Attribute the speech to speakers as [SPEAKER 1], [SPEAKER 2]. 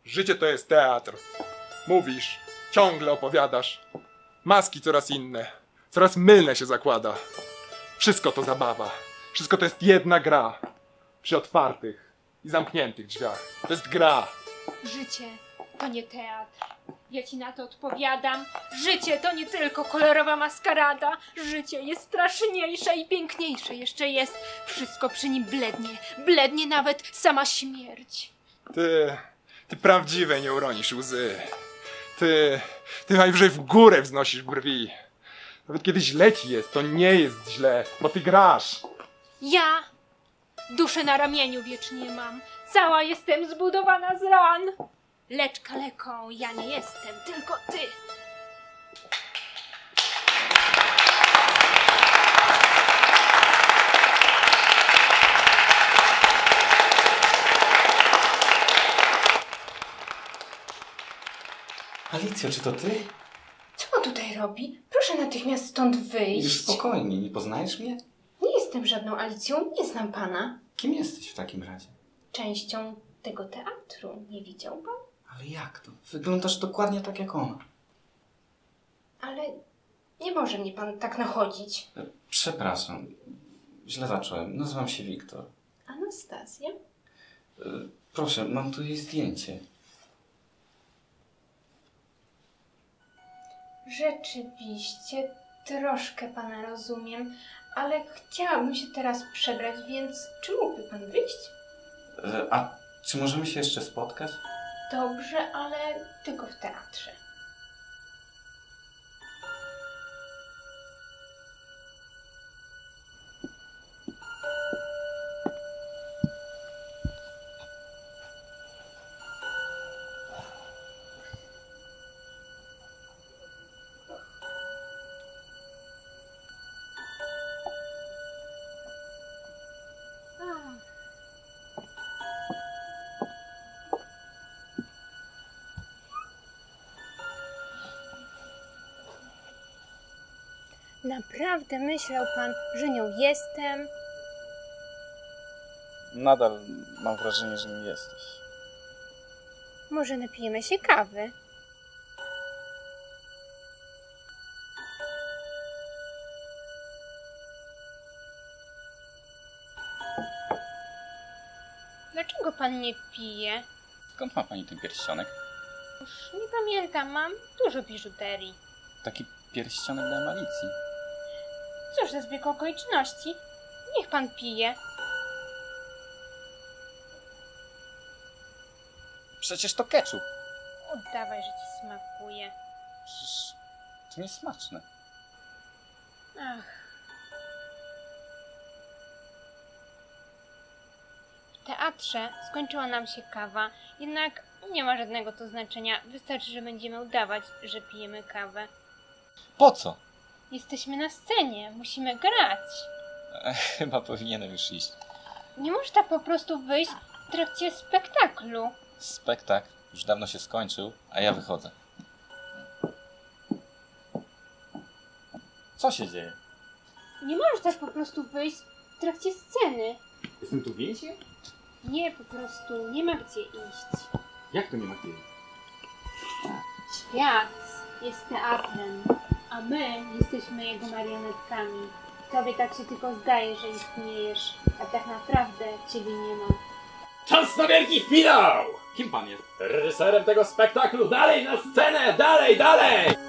[SPEAKER 1] Życie to jest teatr. Mówisz, ciągle opowiadasz. Maski coraz inne, coraz mylne się zakłada. Wszystko to zabawa. Wszystko to jest jedna gra. Przy otwartych i zamkniętych drzwiach. To jest gra.
[SPEAKER 2] Życie to nie teatr. Ja ci na to odpowiadam. Życie to nie tylko kolorowa maskarada. Życie jest straszniejsze i piękniejsze jeszcze jest. Wszystko przy nim blednie. Blednie nawet sama śmierć.
[SPEAKER 1] Ty prawdziwej nie uronisz łzy. Ty najwyżej w górę wznosisz brwi. Nawet kiedy źle ci jest, to nie jest źle, bo ty grasz.
[SPEAKER 2] Ja duszę na ramieniu wiecznie mam. Cała jestem zbudowana z ran. Lecz kaleką ja nie jestem, tylko ty.
[SPEAKER 3] Alicjo, czy to ty?
[SPEAKER 4] Co on tutaj robi? Proszę natychmiast stąd wyjść.
[SPEAKER 3] Już spokojnie, nie poznajesz mnie?
[SPEAKER 4] Nie jestem żadną Alicją, nie znam pana.
[SPEAKER 3] Kim jesteś w takim razie?
[SPEAKER 4] Częścią tego teatru. Nie widział pan?
[SPEAKER 3] Ale jak to? Wyglądasz dokładnie tak jak ona.
[SPEAKER 4] Ale nie może mnie pan tak nachodzić.
[SPEAKER 3] Przepraszam, źle zacząłem. Nazywam się Wiktor.
[SPEAKER 4] Anastazja?
[SPEAKER 3] Proszę, mam tu jej zdjęcie.
[SPEAKER 4] Rzeczywiście, troszkę pana rozumiem, ale chciałabym się teraz przebrać, więc czy mógłby pan wyjść?
[SPEAKER 3] A czy możemy się jeszcze spotkać?
[SPEAKER 4] Dobrze, ale tylko w teatrze.
[SPEAKER 2] Naprawdę myślał pan, że nią jestem?
[SPEAKER 3] Nadal mam wrażenie, że nie jesteś.
[SPEAKER 2] Może napijemy się kawy? Dlaczego pan nie pije?
[SPEAKER 3] Skąd ma pani ten pierścionek?
[SPEAKER 2] Już nie pamiętam, mam dużo biżuterii.
[SPEAKER 3] Taki pierścionek dałem Alicji.
[SPEAKER 2] Cóż za zbieg okoliczności? Niech pan pije.
[SPEAKER 3] Przecież to ketchup.
[SPEAKER 2] Oddawaj, że ci smakuje.
[SPEAKER 3] Przecież to niesmaczne.
[SPEAKER 2] Ach. W teatrze skończyła nam się kawa, jednak nie ma żadnego to znaczenia. Wystarczy, że będziemy udawać, że pijemy kawę.
[SPEAKER 3] Po co?
[SPEAKER 2] Jesteśmy na scenie, musimy grać.
[SPEAKER 3] Chyba powinienem już iść.
[SPEAKER 2] Nie można po prostu wyjść w trakcie spektaklu.
[SPEAKER 3] Spektakl już dawno się skończył, a ja wychodzę. Co się dzieje?
[SPEAKER 2] Nie możesz tak po prostu wyjść w trakcie sceny.
[SPEAKER 5] Jestem tu więźniem?
[SPEAKER 2] Nie, po prostu nie ma gdzie iść.
[SPEAKER 5] Jak to nie ma kiedy?
[SPEAKER 2] Świat jest teatrem, a my jesteśmy jego marionetkami. Tobie tak się tylko zdaje, że istniejesz, a tak naprawdę ciebie nie ma.
[SPEAKER 5] Czas na wielki finał! Kim pan jest? Reżyserem tego spektaklu! Dalej na scenę! Dalej, dalej!